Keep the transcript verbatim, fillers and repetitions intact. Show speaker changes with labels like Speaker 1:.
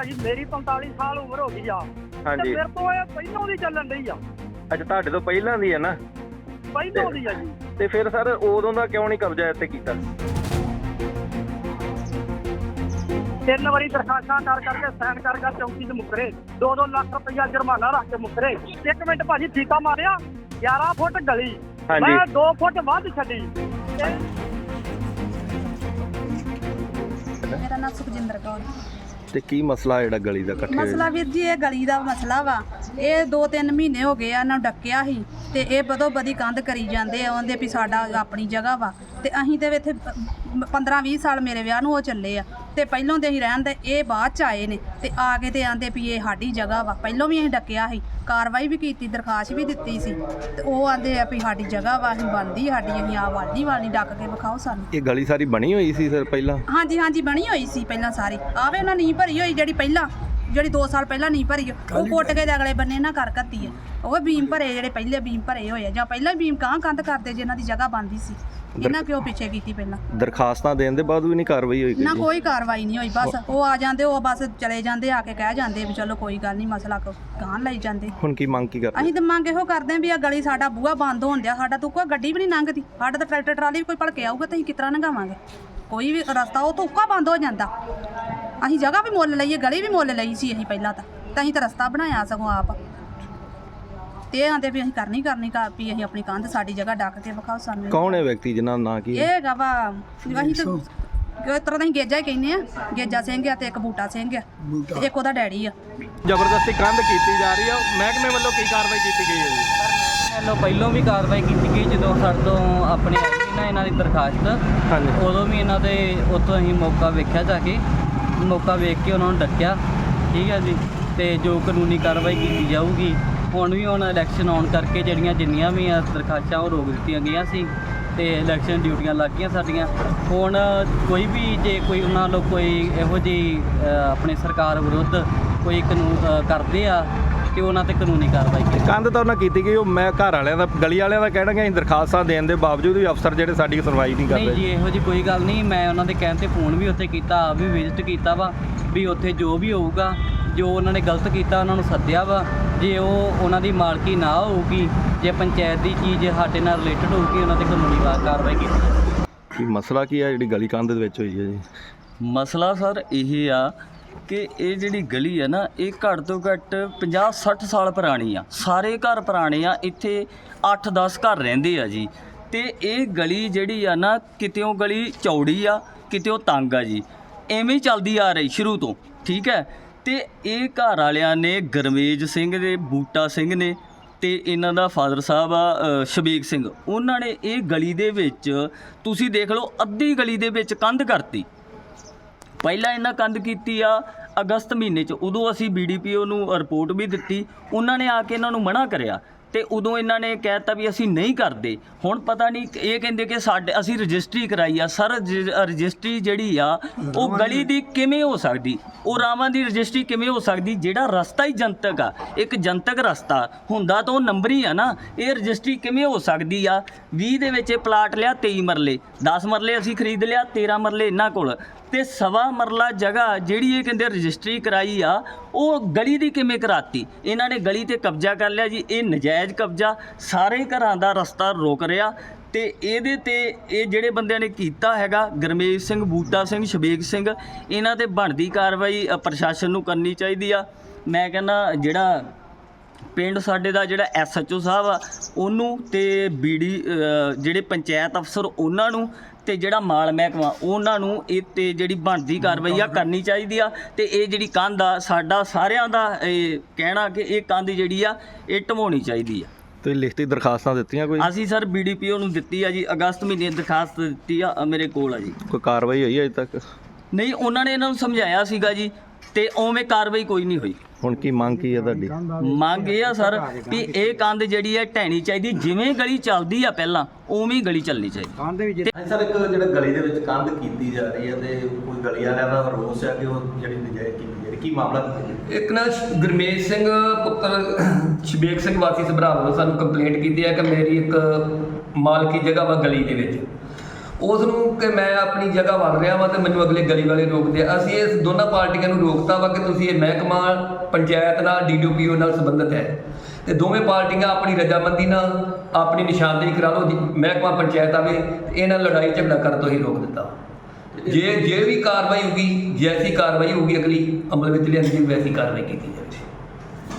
Speaker 1: ਭਾਜੀ ਮੇਰੀ ਪੰਤਾਲੀ ਸਾਲ ਉਮਰ ਹੋ ਗਈ ਆ।
Speaker 2: ਹਾਂਜੀ
Speaker 1: ਮੇਰੇ ਤੋਂ ਇਹ ਪਹਿਲਾਂ ਦੀ ਚੱਲਣ ਡਈ ਆ।
Speaker 2: ਅੱਛਾ ਤੁਹਾਡੇ ਤੋਂ ਪਹਿਲਾਂ ਦੀ ਹੈ ਨਾ?
Speaker 1: ਪਹਿਲਾਂ ਦੀ ਆ ਜੀ।
Speaker 2: ਤੇ ਫਿਰ ਸਰ ਉਦੋਂ ਦਾ ਕਿਉਂ ਨਹੀਂ ਕਬਜ਼ਾ ਇੱਥੇ ਕੀਤਾ?
Speaker 1: ਤਿੰਨ ਵਾਰੀ ਦਰਖਾਸਤਾਂ ਕਰ ਕਰਕੇ ਸਾਈਨ ਕਰ ਕਰ ਚੌਂਕੀ 'ਚ ਮੁਕਰੇ, ਦੋ ਦੋ ਲੱਖ ਰੁਪਈਆ ਜੁਰਮਾਨਾ ਰੱਖ ਕੇ ਮੁਕਰੇ। ਇੱਕ ਮਿੰਟ ਭਾਜੀ ਠੀਕਾ ਮਾਰਿਆ, ਗਿਆਰਾਂ ਫੁੱਟ ਗਲੀ ਮੈਂ ਦੋ ਫੁੱਟ ਵੱਧ ਛੱਡੀ।
Speaker 3: ਮੇਰਾ ਨਾਮ ਸੁਖਜਿੰਦਰ ਕੌਰ।
Speaker 2: ਤੇ ਕੀ ਮਸਲਾ ਜਿਹੜਾ ਗਲੀ ਦਾ ਇਕੱਠੇ
Speaker 3: ਮਸਲਾ ਵੀਰ ਜੀ ਇਹ ਗਲੀ ਦਾ ਮਸਲਾ ਵਾ। ਇਹ ਦੋ ਤਿੰਨ ਮਹੀਨੇ ਹੋ ਗਏ ਆ ਇਹਨਾਂ ਨੂੰ ਡੱਕਿਆ ਸੀ ਤੇ ਇਹ ਬਦੋ ਬਦੀ ਕੰਧ ਕਰੀ ਜਾਂਦੇ ਆ, ਆਉਂਦੇ ਵੀ ਸਾਡਾ ਆਪਣੀ ਜਗ੍ਹਾ ਵਾ। ਤੇ ਅਸੀਂ ਤੇ ਇੱਥੇ ਪੰਦਰਾਂ ਵੀਹ ਸਾਲ ਮੇਰੇ ਵਿਆਹ ਨੂੰ ਉਹ ਚੱਲੇ ਆ ਤੇ ਪਹਿਲੋਂ ਦੇ ਅਸੀਂ ਰਹਿਣ ਦੇ, ਇਹ ਬਾਅਦ ਚ ਆਏ ਨੇ ਤੇ ਆ ਕੇ ਤੇ ਆਂਦੇ ਵੀ ਇਹ ਸਾਡੀ ਜਗ੍ਹਾ ਵਾ। ਪਹਿਲੋਂ ਵੀ ਅਸੀਂ ਡੱਕਿਆ ਸੀ, ਕਾਰਵਾਈ ਵੀ ਕੀਤੀ, ਦਰਖਾਸਤ ਵੀ ਦਿੱਤੀ ਸੀ ਤੇ ਉਹ ਆਂਦੇ ਆ ਵੀ ਸਾਡੀ ਜਗ੍ਹਾ ਵਾ, ਅਸੀਂ ਬਣਦੀ ਸਾਡੀ, ਅਸੀਂ ਆ ਵਾਲੀ ਵਾਲੀ ਡੱਕ ਕੇ ਵਿਖਾਓ ਸਾਨੂੰ।
Speaker 2: ਇਹ ਗਲੀ ਸਾਰੀ ਬਣੀ ਹੋਈ ਸੀ ਸਰ ਪਹਿਲਾਂ?
Speaker 3: ਹਾਂਜੀ ਹਾਂਜੀ ਬਣੀ ਹੋਈ ਸੀ ਪਹਿਲਾਂ ਸਾਰੀ। ਆਵੇ ਉਹਨਾਂ ਨੀਂਹ ਭਰੀ ਹੋਈ ਜਿਹੜੀ ਪਹਿਲਾਂ ਜਿਹੜੀ ਦੋ ਸਾਲ ਪਹਿਲਾਂ ਨੀਂਹ ਭਰੀ ਉਹ ਪੁੱਟ ਕੇ ਤੇ ਅਗਲੇ ਬੰਨੇ ਨਾ ਕਰ ਕੱਤੀ ਹੈ। ਉਹ ਬੀਮ ਭਰੇ ਜਿਹੜੇ ਪਹਿਲੇ ਬੀਮ ਭਰੇ ਹੋਏ ਆ ਜਾਂ ਪਹਿਲਾਂ ਬੀਮ ਕਾਂ ਕੰਧ ਕਰਦੇ ਜਿਨ੍ਹਾਂ ਦੀ ਜਗ੍ਹਾ ਬਣਦੀ ਸੀ, ਇਹਨਾਂ ਕਿਉਂ ਪਿੱਛੇ ਕੀਤੀ ਪਹਿਲਾਂ?
Speaker 2: ਦਰਖਾਸਤਾਂ ਦੇਣ ਦੇ ਬਾਅਦ ਵੀ ਨਹੀਂ ਕਾਰਵਾਈ ਹੋਈ?
Speaker 3: ਨਾ ਕੋਈ ਕਾਰਵਾਈ ਨਹੀਂ ਹੋਈ। ਬਸ ਉਹ ਆ ਜਾਂਦੇ, ਉਹ ਬਸ ਚਲੇ ਜਾਂਦੇ, ਆ ਕੇ ਕਹਿ ਜਾਂਦੇ ਵੀ ਚਲੋ ਕੋਈ ਗੱਲ ਨਹੀਂ, ਮਸਲਾ ਗਾਂਹ ਲਈ ਜਾਂਦੇ।
Speaker 2: ਹੁਣ ਕੀ ਮੰਗ ਕੀ ਕਰਦੇ?
Speaker 3: ਅਸੀਂ ਤਾਂ ਮੰਗ ਇਹੋ ਕਰਦੇ ਵੀ ਆ ਗਲੀ ਸਾਡਾ ਬੂਹਾ ਬੰਦ ਹੋਣ ਡਿਆ, ਸਾਡਾ ਤੋਂ ਕੋਈ ਗੱਡੀ ਵੀ ਨਹੀਂ ਲੰਘਦੀ, ਸਾਡਾ ਤਾਂ ਟਰੈਕਟਰ ਟਰਾਲੀ ਵੀ ਕੋਈ ਭਲਕੇ ਆਊਗਾ ਤਾਂ ਅਸੀਂ ਕਿਸ ਤਰ੍ਹਾਂ ਲੰਘਾਵਾਂਗੇ? ਕੋਈ ਵੀ ਰਸਤਾ ਉਹ ਤੋਂ ਉੱਕਾ ਬੰਦ ਹੋ ਜਾਂਦਾ। ਅਸੀਂ ਜਗ੍ਹਾ ਵੀ ਮੁੱਲ ਲਈਏ, ਗਲੀ ਵੀ ਮੁੱਲ ਲਈ ਸੀ ਅਸੀਂ ਪਹਿਲਾਂ ਤਾਂ ਤਾਂ ਅਸੀਂ ਤਾਂ ਰਸਤਾ ਬਣਾਇਆ ਸਗੋਂ ਆਪ। ਤੇ ਇਹ ਆਂਦੇ ਵੀ ਅਸੀਂ ਕਰਨੀ ਕਰਨੀ ਕਰ ਵੀ ਅਸੀਂ ਆਪਣੀ ਕੰਧ ਸਾਡੀ ਜਗ੍ਹਾ ਡੱਕ ਕੇ ਵਿਖਾਓ ਸਾਨੂੰ।
Speaker 2: ਕੌਣ ਹੈ ਵਿਅਕਤੀ ਜਿਹਨਾਂ ਦਾ ਨਾਂ ਕੀ ਹੈ?
Speaker 3: ਇਹ ਹੈਗਾ ਵਾ ਅਸੀਂ ਤਾਂ ਇਸ ਤਰ੍ਹਾਂ ਦਾ ਅਸੀਂ ਗੇਜਾ ਹੀ ਕਹਿੰਦੇ ਆ, ਗੇਜਾ ਸਿੰਘ ਆ ਤੇ ਇੱਕ ਬੂਟਾ ਸਿੰਘ ਆ ਤੇ ਇੱਕ ਉਹਦਾ ਡੈਡੀ ਆ।
Speaker 2: ਜ਼ਬਰਦਸਤੀ ਕੰਧ ਕੀਤੀ ਜਾ ਰਹੀ ਹੈ, ਮਹਿਕਮੇ ਵੱਲੋਂ ਕੀ ਕਾਰਵਾਈ ਕੀਤੀ ਗਈ ਹੈ ਜੀ?
Speaker 4: ਵੱਲੋਂ ਪਹਿਲੋਂ ਵੀ ਕਾਰਵਾਈ ਕੀਤੀ ਗਈ, ਜਦੋਂ ਸਾਡੇ ਤੋਂ ਆਪਣੇ ਆਈ ਸੀ ਨਾ ਇਹਨਾਂ ਦੀ ਦਰਖਾਸਤ,
Speaker 2: ਹਾਂਜੀ
Speaker 4: ਉਦੋਂ ਵੀ ਇਹਨਾਂ ਦੇ ਉੱਥੋਂ ਅਸੀਂ ਮੌਕਾ ਵੇਖਿਆ, ਜਾ ਕੇ ਮੌਕਾ ਵੇਖ ਕੇ ਉਹਨਾਂ ਨੂੰ ਡੱਕਿਆ। ਠੀਕ ਹੈ ਜੀ, ਤੇ ਜੋ ਕਾਨੂੰਨੀ ਕਾਰਵਾਈ ਕੀਤੀ ਜਾਊਗੀ। ਹੁਣ ਵੀ ਹੁਣ ਇਲੈਕਸ਼ਨ ਆਉਣ ਕਰਕੇ ਜਿਹੜੀਆਂ ਜਿੰਨੀਆਂ ਵੀ ਆ ਦਰਖਾਸਤਾਂ ਉਹ ਰੋਕ ਦਿੱਤੀਆਂ ਗਈਆਂ ਸੀ ਤੇ ਇਲੈਕਸ਼ਨ ਡਿਊਟੀਆਂ ਲੱਗ ਗਈਆਂ ਸਾਡੀਆਂ। ਹੁਣ ਕੋਈ ਵੀ ਜੇ ਕੋਈ ਉਹਨਾਂ ਨੂੰ ਕੋਈ ਇਹੋ ਜਿਹੀ ਆਪਣੀ ਸਰਕਾਰ ਵਿਰੁੱਧ ਕੋਈ ਕਾਨੂੰਨ ਕਰਦੇ ਆ ਤੇ ਉਹਨਾਂ ਤੇ ਕਾਨੂੰਨੀ ਕਾਰਵਾਈ ਕੀਤੀ।
Speaker 2: ਕੰਧ ਤਾਂ ਉਹਨਾਂ ਕੀਤੀ ਗਈ, ਉਹ ਮੈਂ ਘਰ ਵਾਲਿਆਂ ਦਾ ਗਲੀ ਵਾਲਿਆਂ ਦਾ ਕਹਿਣਗੇ ਅਸੀਂ ਦਰਖਾਸਤਾਂ ਦੇਣ ਦੇ ਬਾਵਜੂਦ ਵੀ ਅਫਸਰ ਜਿਹੜੇ ਸਾਡੀ ਸੁਣਵਾਈ ਨਹੀਂ ਕਰਦੇ।
Speaker 4: ਨਹੀਂ ਜੀ, ਇਹੋ ਜਿਹੀ ਕੋਈ ਗੱਲ ਨਹੀਂ। ਮੈਂ ਉਹਨਾਂ ਦੇ ਕਹਿਣ 'ਤੇ ਫੋਨ ਵੀ ਉੱਥੇ ਕੀਤਾ, ਆਪ ਵੀ ਵਿਜ਼ਿਟ ਕੀਤਾ ਵਾ ਵੀ ਉੱਥੇ ਜੋ ਵੀ ਹੋਊਗਾ, ਜੋ ਉਹਨਾਂ ਨੇ ਗਲਤ ਕੀਤਾ ਉਹਨਾਂ ਨੂੰ ਸੱਦਿਆ ਵਾ। ਜੇ ਉਹ ਉਹਨਾਂ ਦੀ ਮਾਲਕੀ ਨਾ ਹੋਊਗੀ, ਜੇ ਪੰਚਾਇਤ ਦੀ ਚੀਜ਼ ਸਾਡੇ ਨਾਲ ਰਿਲੇਟਡ ਹੋਊਗੀ, ਉਹਨਾਂ ਤੇ ਕਾਨੂੰਨੀ ਕਾਰਵਾਈ ਕੀਤੀ।
Speaker 2: ਕੀ ਮਸਲਾ ਕੀ ਆ ਜਿਹੜੀ ਗਲੀ ਕੰਧ ਦੇ ਵਿੱਚ ਹੋਈ ਹੈ ਜੀ?
Speaker 4: ਮਸਲਾ ਸਰ ਇਹ ਆ ਕਿ ਇਹ ਜਿਹੜੀ ਗਲੀ ਹੈ ਨਾ, ਇਹ ਘੱਟ ਤੋਂ ਘੱਟ ਪੰਜਾਹ ਸੱਠ ਸਾਲ ਪੁਰਾਣੀ ਆ। ਸਾਰੇ ਘਰ ਪੁਰਾਣੇ ਆ, ਇੱਥੇ ਅੱਠ ਦਸ ਘਰ ਰਹਿੰਦੇ ਆ ਜੀ। ਤੇ ਇਹ ਗਲੀ ਜਿਹੜੀ ਆ ਨਾ, ਕਿਤਿਓਂ ਗਲੀ ਚੌੜੀ ਆ, ਕਿਤਿਓਂ ਤੰਗ ਆ ਜੀ, ਐਵੇਂ ਹੀ ਚੱਲਦੀ ਆ ਰਹੀ ਸ਼ੁਰੂ ਤੋਂ। ਠੀਕ ਹੈ, ਤੇ ਇਹ ਘਰ ਵਾਲਿਆਂ ਨੇ ਗੁਰਮੇਜ ਸਿੰਘ ਦੇ, ਬੂਟਾ ਸਿੰਘ ਨੇ ਤੇ ਇਹਨਾਂ ਦਾ ਫਾਦਰ ਸਾਹਿਬ ਆ ਸ਼ਬੀਕ ਸਿੰਘ, ਉਹਨਾਂ ਨੇ ਇਹ ਗਲੀ ਦੇ ਵਿੱਚ ਤੁਸੀਂ ਦੇਖ ਲਓ ਅੱਧੀ ਗਲੀ ਦੇ ਵਿੱਚ ਕੰਧ ਕਰਤੀ। ਪਹਿਲਾਂ ਇਹਨਾਂ ਕੰਧ ਕੀਤੀ ਆ ਅਗਸਤ ਮਹੀਨੇ 'ਚ, ਉਦੋਂ ਅਸੀਂ ਬੀ ਡੀ ਪੀ ਓ ਨੂੰ ਰਿਪੋਰਟ ਵੀ ਦਿੱਤੀ। ਉਹਨਾਂ ਨੇ ਆ ਕੇ ਇਹਨਾਂ ਨੂੰ ਮਨਾ ਕਰਿਆ ਤੇ ਉਦੋਂ ਇਹਨਾਂ ਨੇ ਕਹਿ ਦਿੱਤਾ ਵੀ ਅਸੀਂ ਨਹੀਂ ਕਰਦੇ। ਹੁਣ ਪਤਾ ਨਹੀਂ, ਇਹ ਕਹਿੰਦੇ ਕਿ ਸਾਡੇ ਅਸੀਂ ਰਜਿਸਟਰੀ ਕਰਾਈ ਆ। ਸਰ ਰਜਿਸਟਰੀ ਜਿਹੜੀ ਆ ਉਹ ਗਲੀ ਦੀ ਕਿਵੇਂ ਹੋ ਸਕਦੀ? ਉਹ ਰਾਵਾਂ ਦੀ ਰਜਿਸਟਰੀ ਕਿਵੇਂ ਹੋ ਸਕਦੀ? ਜਿਹੜਾ ਰਸਤਾ ਹੀ ਜਨਤਕ ਆ, ਇੱਕ ਜਨਤਕ ਰਸਤਾ ਹੁੰਦਾ ਤਾਂ ਉਹ ਨੰਬਰੀ ਆ ਨਾ। ਇਹ ਰਜਿਸਟਰੀ ਕਿਵੇਂ ਹੋ ਸਕਦੀ ਆ? ਵੀਹ ਦੇ ਵਿੱਚ ਇਹ ਪਲਾਟ ਲਿਆ, ਤੇਈ ਮਰਲੇ, ਦਸ ਮਰਲੇ ਅਸੀਂ ਖਰੀਦ ਲਿਆ, ਤੇਰ੍ਹਾਂ ਮਰਲੇ ਇਹਨਾਂ ਕੋਲ, ਤੇ ਸਵਾ ਮਰਲਾ ਜਗ੍ਹਾ ਜਿਹੜੀ ਇਹ ਕਹਿੰਦੇ ਰਜਿਸਟਰੀ ਕਰਾਈ ਆ, ਉਹ ਗਲੀ ਦੀ ਕਿਵੇਂ ਕਰਾਤੀ? ਇਹਨਾਂ ਨੇ ਗਲੀ ਤੇ ਕਬਜ਼ਾ ਕਰ ਲਿਆ ਜੀ। ਇਹ ਨਜਾਇਜ਼ ਕਬਜ਼ਾ ਸਾਰੇ ਘਰਾਂ ਦਾ ਰਸਤਾ ਰੋਕ ਰਿਹਾ। ਤੇ ਇਹਦੇ ਤੇ ਇਹ ਜਿਹੜੇ ਬੰਦਿਆਂ ਨੇ ਕੀਤਾ ਹੈਗਾ, ਗੁਰਮੇਜ ਸਿੰਘ, ਬੂਟਾ ਸਿੰਘ, ਸ਼ਬੀਕ ਸਿੰਘ, ਇਹਨਾਂ ਤੇ ਬਣਦੀ ਕਾਰਵਾਈ ਪ੍ਰਸ਼ਾਸਨ ਨੂੰ ਕਰਨੀ ਚਾਹੀਦੀ ਆ। ਮੈਂ ਕਹਿੰਦਾ ਜਿਹੜਾ ਪਿੰਡ ਸਾਡੇ ਦਾ ਜਿਹੜਾ ਐਸ ਐਚ ਓ ਸਾਹਿਬ ਆ ਉਹਨੂੰ, ਤੇ ਬੀ ਡੀ ਜਿਹੜੇ ਪੰਚਾਇਤ ਅਫਸਰ ਉਹਨਾਂ ਨੂੰ, ਤੇ ਜਿਹੜਾ ਮਾਲ ਮਹਿਕਮਾ ਉਹਨਾਂ ਨੂੰ ਇਹ 'ਤੇ ਜਿਹੜੀ ਬਣਦੀ ਕਾਰਵਾਈ ਆ ਕਰਨੀ ਚਾਹੀਦੀ ਆ। ਤੇ ਇਹ ਜਿਹੜੀ ਕੰਧ ਆ, ਸਾਡਾ ਸਾਰਿਆਂ ਦਾ ਇਹ ਕਹਿਣਾ ਕਿ ਇਹ ਕੰਧ ਜਿਹੜੀ ਆ ਇਹ ਢਵਾਉਣੀ ਚਾਹੀਦੀ ਆ।
Speaker 2: ਤੁਸੀਂ ਲਿਖਤੀ ਦਰਖਾਸਤਾਂ ਦਿੱਤੀਆਂ ਕੋਈ?
Speaker 4: ਅਸੀਂ sir B D P O ਨੂੰ ਦਿੱਤੀ ਆ ਜੀ, ਅਗਸਤ ਮਹੀਨੇ ਦਰਖਾਸਤ ਦਿੱਤੀ ਆ, ਮੇਰੇ ਕੋਲ ਆ ਜੀ।
Speaker 2: ਕੋਈ ਕਾਰਵਾਈ ਹੋਈ ਅਜੇ ਤੱਕ?
Speaker 4: ਨਹੀਂ, ਉਹਨਾਂ ਨੇ ਇਹਨਾਂ ਨੂੰ ਸਮਝਾਇਆ ਸੀਗਾ ਜੀ, ਤੇ ਉਵੇਂ ਕਾਰਵਾਈ ਕੋਈ ਨਹੀਂ ਹੋਈ।
Speaker 2: ਹੁਣ ਕੀ ਮੰਗ ਕੀ ਹੈ ਤੁਹਾਡੀ?
Speaker 4: ਮੰਗ ਇਹ ਆ ਸਰ ਵੀ ਇਹ ਕੰਧ ਜਿਹੜੀ ਹੈ ਢਹਿਣੀ ਚਾਹੀਦੀ, ਜਿਵੇਂ ਗਲੀ ਚੱਲਦੀ ਆ ਪਹਿਲਾਂ ਉਵੇਂ ਹੀ ਗਲੀ ਚੱਲਣੀ ਚਾਹੀਦੀ।
Speaker 2: ਸਰ ਇੱਕ ਜਿਹੜਾ ਗਲੀ ਦੇ ਵਿੱਚ ਕੰਧ ਕੀਤੀ ਜਾ ਰਹੀ ਹੈ ਤੇ ਕੋਈ ਗਲੀ ਵਾਲਿਆਂ ਦਾ ਰੋਸ ਹੈ ਕਿ ਉਹ ਜਿਹੜੀ ਨਜਾਇਜ਼ ਕੀਤੀ ਜਾ ਰਹੀ, ਕੀ ਮਾਮਲਾ?
Speaker 5: ਇੱਕ ਨਾ ਗੁਰਮੇਜ ਸਿੰਘ ਪੁੱਤਰ ਸ਼ਬੀਕ ਸਿੰਘ ਵਾਸੀ ਸਭਰਾ ਵੱਲੋਂ ਸਾਨੂੰ ਕੰਪਲੇਂਟ ਕੀਤੀ ਹੈ ਕਿ ਮੇਰੀ ਇੱਕ ਮਾਲਕੀ ਜਗ੍ਹਾ ਵਾ ਗਲੀ ਦੇ ਵਿੱਚ, ਉਸ ਨੂੰ ਕਿ ਮੈਂ ਆਪਣੀ ਜਗ੍ਹਾ ਵੜ ਰਿਹਾ ਵਾਂ ਤੇ ਮੈਨੂੰ ਅਗਲੇ ਗਲੀ ਵਾਲੇ ਰੋਕਦੇ ਆ। ਅਸੀਂ ਇਸ ਦੋਨਾਂ ਪਾਰਟੀਆਂ ਨੂੰ ਰੋਕਤਾ ਵਾ ਕਿ ਤੁਸੀਂ ਇਹ ਮਹਿਕਮਾ ਪੰਚਾਇਤ ਨਾਲ ਡੀ ਡੀ ਪੀ ਓ ਨਾਲ ਸੰਬੰਧਿਤ ਹੈ ਤੇ ਦੋਵੇਂ ਪਾਰਟੀਆਂ ਆਪਣੀ ਰਜਾਮੰਦੀ ਨਾਲ ਆਪਣੀ ਨਿਸ਼ਾਨਦੇਹੀ ਕਰਾ ਲਓ। ਜੀ ਮਹਿਕਮਾ ਪੰਚਾਇਤ ਆਵੇ ਤੇ ਇਹਨਾਂ ਲੜਾਈ ਝਗੜਾ ਕਰਨ ਤੋਂ ਹੀ ਰੋਕ ਦਿੱਤਾ। ਜੇ ਜੇ ਵੀ ਕਾਰਵਾਈ ਹੋਊਗੀ, ਜੈਸੀ ਕਾਰਵਾਈ ਹੋਊਗੀ ਅਗਲੀ ਅਮਲ ਵਿੱਚ ਲਿਆਂਦੀ ਵੈਸੀ ਕਾਰਵਾਈ ਕੀਤੀ ਜਾਵੇਗੀ।